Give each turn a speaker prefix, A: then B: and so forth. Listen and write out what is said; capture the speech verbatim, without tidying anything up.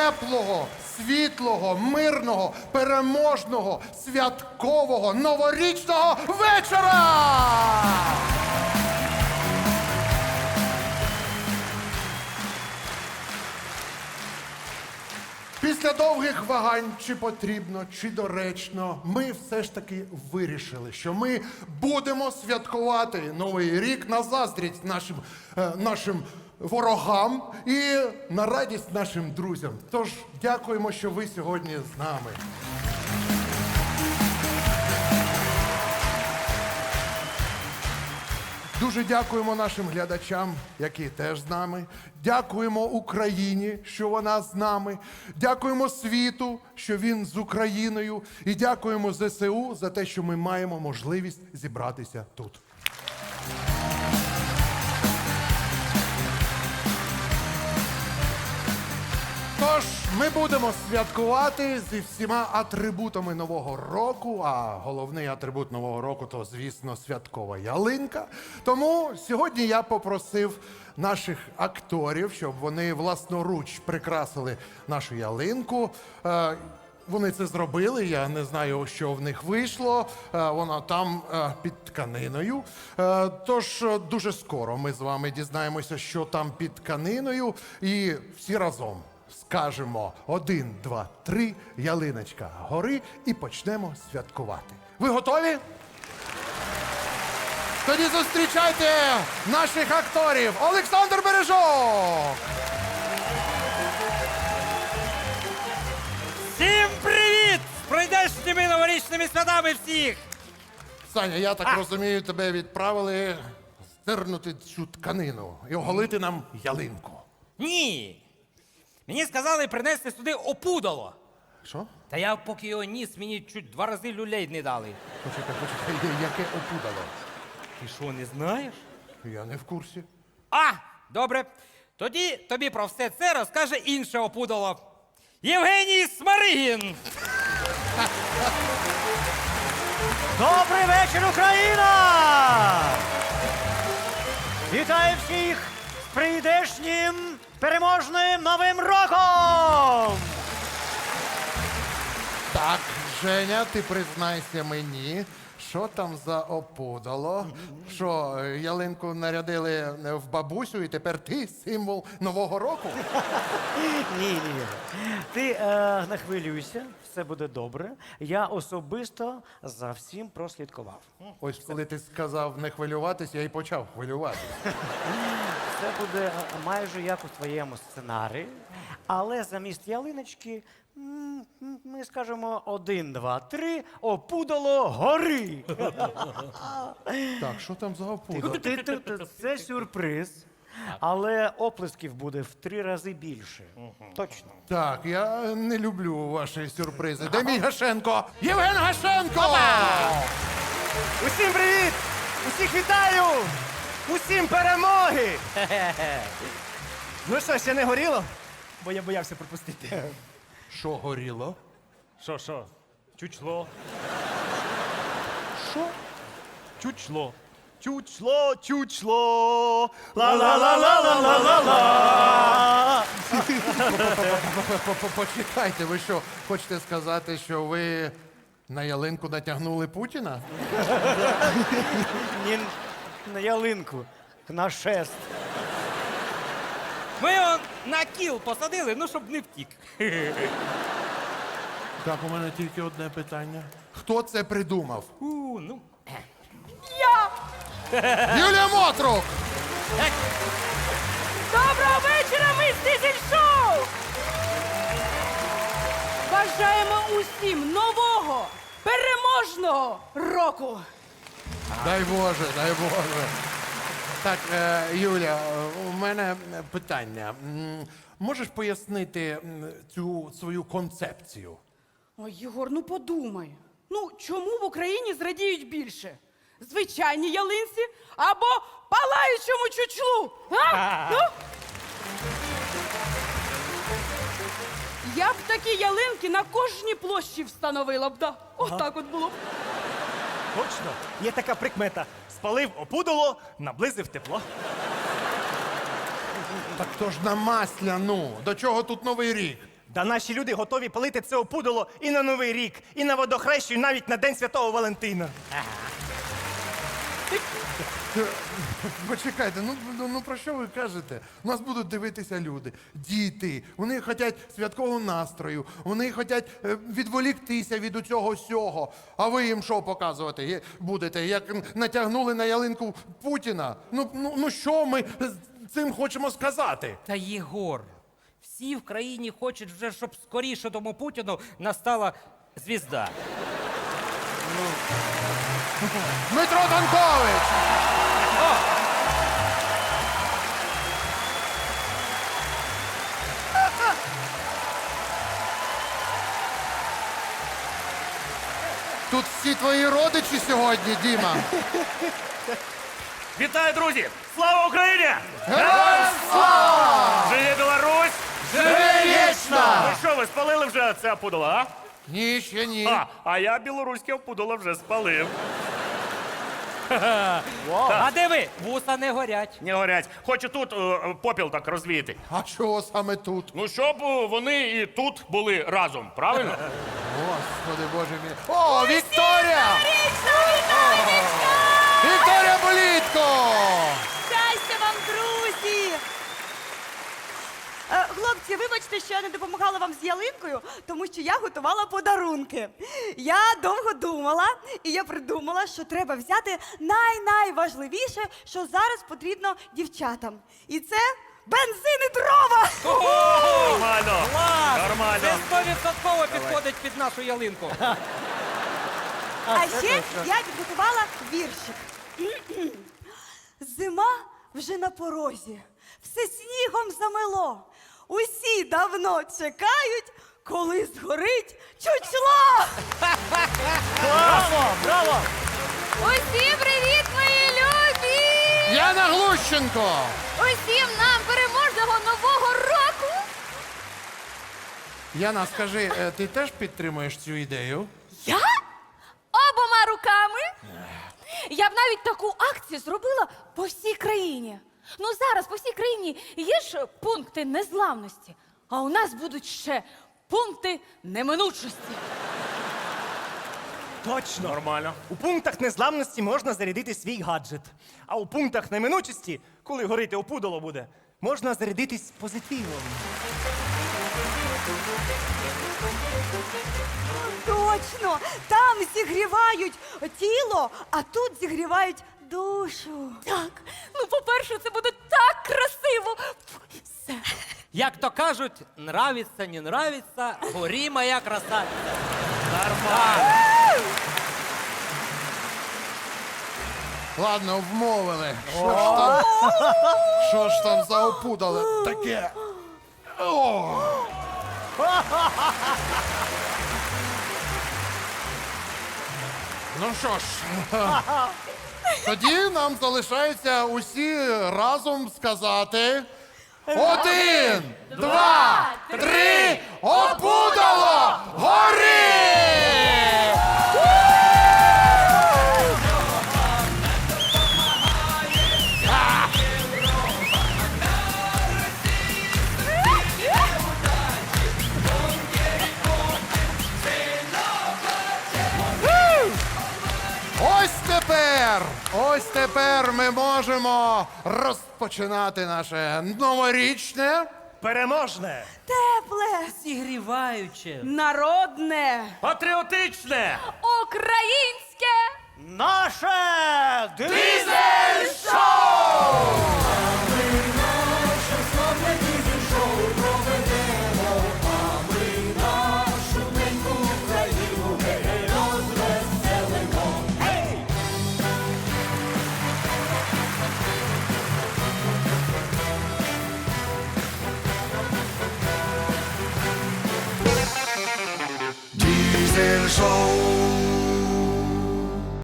A: теплого, світлого, мирного, переможного, святкового, новорічного вечора! Після довгих вагань, чи потрібно, чи доречно, ми все ж таки вирішили, що ми будемо святкувати Новий рік на заздрість нашим, е, нашим ворогам і на радість нашим друзям. Тож дякуємо, що ви сьогодні з нами. Дуже дякуємо нашим глядачам, які теж з нами. Дякуємо Україні, що вона з нами. Дякуємо світу, що він з Україною. І дякуємо зе се у за те, що ми маємо можливість зібратися тут. Тож, ми будемо святкувати зі всіма атрибутами Нового року, а головний атрибут Нового року – то, звісно, святкова ялинка. Тому сьогодні я попросив наших акторів, щоб вони власноруч прикрасили нашу ялинку. Е, Вони це зробили, я не знаю, що в них вийшло. Е, Вона там е, під тканиною. Е, Тож е, дуже скоро ми з вами дізнаємося, що там під тканиною. І всі разом скажемо один, два, три, ялиночка гори і почнемо святкувати. Ви готові? Тоді зустрічайте наших акторів. Олександр Бережок!
B: Всім привіт! З прийдешніми новорічними святами всіх!
A: Саня, я так
B: А.
A: розумію, тебе відправили стернути цю тканину і оголити нам ялинку.
B: Ні! Мені сказали принести сюди опудало.
A: Що?
B: Та я поки його ніс, мені чуть два рази люлей не дали.
A: Почекай, почекай, яке опудало?
B: Ти що, не знаєш?
A: Я не в курсі.
B: А, добре. Тоді тобі про все це розкаже інше опудало. Євгеній Смаригін!
C: Добрий вечір, Україна! Вітаю всіх з прийдешнім переможним Новим роком!
A: Так, Женя, ти признайся мені, що там за опудало? Що, ялинку нарядили в бабусю і тепер ти символ Нового року?
C: Ні, ні. Ти е, не хвилюйся, все буде добре. Я особисто за всім прослідкував.
A: Ось коли ти сказав не хвилюватись, я і почав хвилюватися.
C: Це буде е, майже як у твоєму сценарії, але замість ялиночки м, м, ми скажемо один, два, три, опудало гори.
A: Так, що там за опудало?
C: Ти- ти- ти- Це сюрприз, але оплесків буде в три рази більше. Точно.
A: Так, я не люблю ваші сюрпризи. Де мій Гашенко? Євген Гашенко!
D: Усім привіт! Усіх вітаю! Усім перемоги! Ну що, ще не горіло? Бо я боявся пропустити.
A: Що горіло?
D: Що, що? Чучло.
A: Що?
D: Чучло. Чучло, чучло. Ла-ла-ла-ла-ла-ла-ла.
A: Почекайте, ви що, хочете сказати, що ви на ялинку натягнули Путіна?
C: Ні, на ялинку, на шест.
B: Ми його на кіл посадили, ну щоб не втік.
A: Так, у мене тільки одне питання. Хто це придумав?
B: У, ну.
A: Юлія Мотрук!
E: Доброго вечора, ми з Дизель-шоу! Бажаємо усім нового, переможного року!
A: Дай Боже, дай Боже. Так, е, Юля, у мене питання. М, Можеш пояснити м, цю свою концепцію?
E: Ой, Єгор, ну подумай. Ну, чому в Україні зрадіють більше? Звичайній ялинці або палаючому чучлу? А? Ну? Я б такі ялинки на кожній площі встановила б, да. Отак от було б.
D: Точно. Є така прикмета. Спалив опудало, наблизив тепло.
A: Так то ж на масляну. До чого тут Новий рік?
D: Да наші люди готові палити це опудало і на Новий рік, і на водохрещу, і навіть на День Святого Валентина.
A: Почекайте, ну, ну, ну про що ви кажете? Нас будуть дивитися люди, діти. Вони хочуть святкового настрою, вони хочуть е, відволіктися від усього сього. А ви їм що показувати є- будете? Як натягнули на ялинку Путіна? Ну, ну, ну що ми з цим хочемо сказати?
B: Та Єгор, всі в країні хочуть вже, щоб скоріше тому Путіну настала звізда.
A: Дмитро Танкович! Тут всі твої родичі сьогодні, Діма.
D: Вітаю, друзі! Слава Україні!
A: Героям слава!
D: Живе Білорусь!
A: Живе вічно!
D: Ну що, ви спалили вже це опудало, а?
A: Ні, ще ні.
D: А, а я білоруське опудало вже спалив.
B: А диви, вуса не горять.
D: Не горять. Хочу тут е, попіл так розвіяти.
A: А чого саме тут?
F: Ну, щоб е, вони і тут були разом, правильно?
A: Господи, Боже мій. О, Вікторія! Вікторія Болітко!
G: Щастя вам, друзі! Е, Хлопці, вибачте, що я не допомагала вам з ялинкою, тому що я готувала подарунки. Я довго думала, і я придумала, що треба взяти най-найважливіше, що зараз потрібно дівчатам. І це бензин і дрова!
D: Нормально.
B: Клас!
D: Нормально.
B: Це стовідсотково підходить під нашу ялинку.
G: А ще я підготувала віршик. Зима вже на порозі, все снігом замело. Усі давно чекають, коли згорить чучло.
C: Браво! Браво!
G: Усім привіт, мої любі!
A: Яна Глущенко!
G: Усім нам переможного нового року!
A: Яна, скажи, е, ти теж підтримуєш цю ідею?
G: Я? Обома руками. Я б навіть таку акцію зробила по всій країні. Ну зараз по всій країні є ж пункти незламності, а у нас будуть ще пункти неминучості.
D: Точно.
F: Нормально.
D: У пунктах незламності можна зарядити свій гаджет. А у пунктах неминучості, коли горити опудало буде, можна зарядитись позитивом.
G: Точно! Там зігрівають тіло, а тут зігрівають душу. Так, ну по-перше, це буде так красиво. Все.
B: Як то кажуть, нравиться, не нравиться, горі моя краса. Нормально.
A: Ладно, вмовили. Що ж там? Що ж там за опудало таке? О! Ну що ж, тоді нам залишається усі разом сказати. Один, два, три, опудало! Гори! Ось тепер, ось тепер ми можемо розпочинати наше новорічне.
D: Переможне!
G: Тепле,
B: Зігріваюче.
E: Народне.
F: Патріотичне!
G: українське.
C: Наше
A: Дизель-шоу!